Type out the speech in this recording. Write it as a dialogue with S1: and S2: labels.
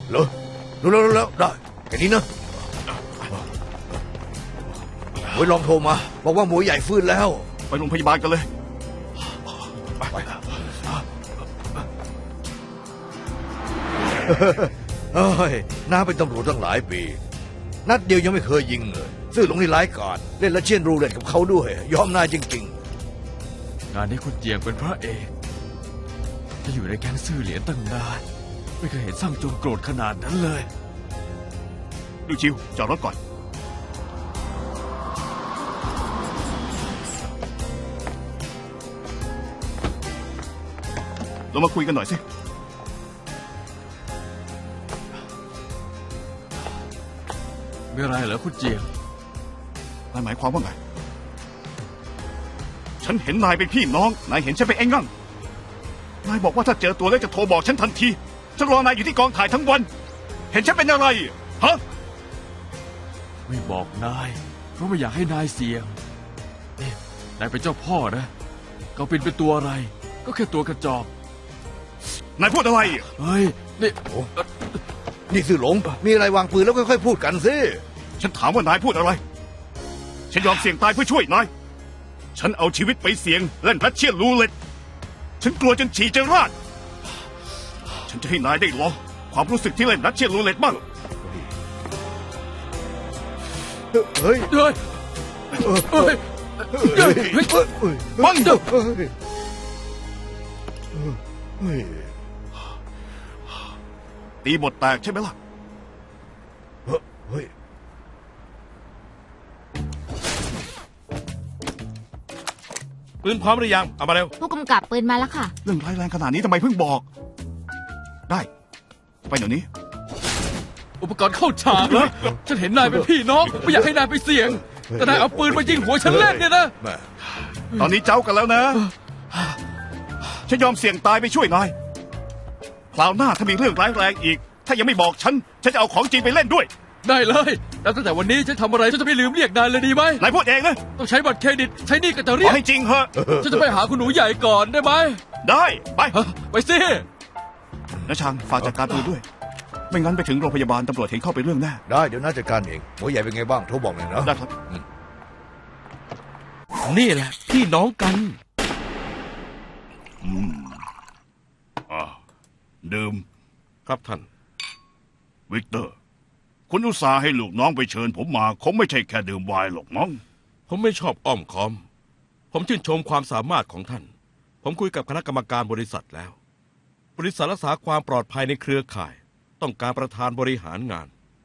S1: เหรอรู้แล้วได้แค่นี้นะหมวยลองโทรมาบอกว่าหมวยใหญ่ฟื้นแล้ว
S2: ไปโรงพยาบาลกันเลย
S1: ไปเฮ้ยน้าเป็นตำรวจตั้งหลายปี นัดเดียวยังไม่เคยยิงเลยซื่อหลงนี่ร้ายกาจเล่นและเชียนรูเล่นกับเขาด้วย ยอมนายจริง
S3: งานนี้คุณเจียงเป็นพระเอกจะอยู่ในแก๊งซื่อเหรียญตั้งนานไม่เคยเห็นสร้างโจรโกรธขนาดนั้นเลย
S2: ดูชิวจอดรถก่อน เรามาคุยกันหน่อยสิ
S3: มีอะไรเหรอคุณเจียง
S2: นายหมายความว่าไง ฉันเห็นนายเป็นพี่น้อง นายเห็นฉันเป็นไอ้งั่ง นายบอกว่าถ้าเจอตัวแล้วจะโทรบอกฉันทันที ฉันรอนายอยู่ที่กองถ่ายทั้งวัน เห็นฉันเป็นอะไร ฮะ
S3: ไม่บอกนายเพราะไม่อยากให้นายเสี่ยงนี่นายเป็นเจ้าพ่อนะเขาเป็นตัวอะไร ก็แค่ตัวกระจอก
S2: นายพูดอะไร
S3: เฮ้ยนี่
S1: ๆ นี่ซื่อหลงมีอะไรวางปืนแล้วค่อยๆพูดกันสิ
S2: ฉันถามว่านายพูดอะไร ฉันยอมเสี่ยงตายเพื่อช่วยนาย ฉันเอาชีวิตไปเสี่ยงเล่นรัสเชียนรูเล็ต ฉันกลัวจนฉี่จะราด ฉันจะให้นายได้ลองความรู้สึกที่เล่นรัสเชียนรูเล็ตบ้าง
S1: เฮ้ย
S3: เฮ้ยเฮ้ย
S2: บัง
S1: เฮ้ย
S2: ตีบทแตกใช่ไหมล่ะ
S1: เฮ้ย
S4: ปืนพร้อมหรือยัง เอามาเร็ว
S5: ผู้กำกับปืนมาแล้วค่ะ
S2: เรื่องร้ายแรงขนาดนี้ทำไมเพิ่งบอก ได้ ไปเดี๋ยวนี้
S3: อุปกรณ์เข้าฉากเหรอฉันเห็นนายเป็นพี่น้องไม่อยากให้นายไปเสี่ยง แต่นายเอาปืนมายิงหัวฉันเล่นเนี่ยนะ
S1: แม่
S2: ตอนนี้เจ้ากันแล้วนะ ฉันยอมเสี่ยงตายไปช่วยนาย คราวหน้าถ้ามีเรื่องร้ายแรงอีก ถ้ายังไม่บอกฉัน ฉันจะเอาของจริงไปเล่นด้วย
S3: ได้เลยแล้วตั้งแต่วันนี้ฉันทำอะไรฉันจะไม่ลืมเรียกนายเลยดีไหม
S2: นายพูดเองนะ
S3: ต้องใช้บัตรเครดิตใช้หนี่ก็จะ
S2: ข
S3: เรี
S2: อย
S3: ก
S2: ให้จริงเหอะ
S3: ฉันจะไปหาคุณหนูใหญ่ก่อนได้ไหม
S2: ได้ ไป
S3: ฮะไปสิ
S2: นะชังฝากจัดการปืนด้วย ไม่งั้นไปถึงโรงพยาบาลตำรวจเห็นเข้าไปเรื่องแน่
S1: ได้เดี๋ยวน้าจัดการเองหมวยใหญ่เป็นไงบ้างโทรบอกหน่อยนะ
S2: ได้ครับ
S4: นี่แหละ พี่น้องกัน
S2: ดื่ม
S4: ครับท่าน
S2: วิกเตอร์ คุณอุตส่าห์ให้ลูกน้องไปเชิญผมมา คงไม่ใช่แค่ดื่มไวน์หรอกมั้ง
S4: ผมไม่ชอบอ้อมค้อม ผมชื่นชมความสามารถของท่าน ผมคุยกับคณะกรรมการบริษัทแล้ว บริษัทรักษาความปลอดภัยในเครือข่าย ต้องการประธานบริหารงาน